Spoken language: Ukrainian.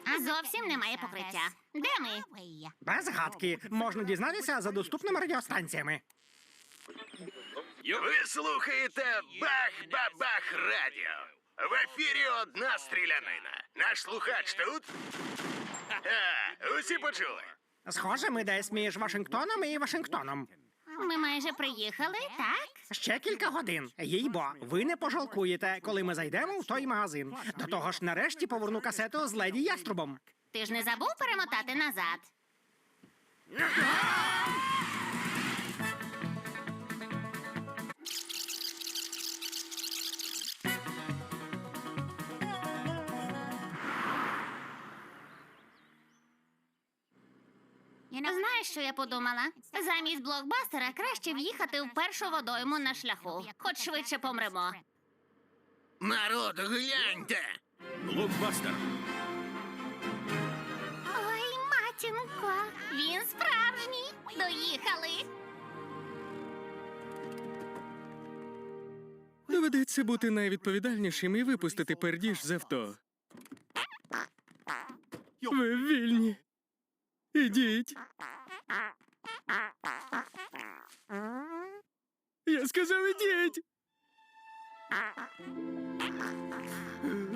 Зовсім немає покриття. Де ми? Без гадки. Можна дізнатися за доступними радіостанціями. Ви слухаєте Бах-Бабах Радіо. В ефірі одна стрілянина. Наш слухач тут? Усі почули. Схоже, ми десь між Вашингтоном і Вашингтоном. Ми майже приїхали, так? Ще кілька годин. Їй-бо, ви не пожалкуєте, коли ми зайдемо в той магазин. До того ж, нарешті поверну касету з Леді Яструбом. Ти ж не забув перемотати назад? Знаєш, що я подумала? Замість блокбастера краще в'їхати в першу водойму на шляху. Хоч швидше помремо. Народ, гляньте! Блокбастер. Ой, матінко, він справжній. Доїхали. Доведеться бути найвідповідальнішим і випустити пердіж з авто. Ви вільні. Ідіть. Я сказав, ідіть.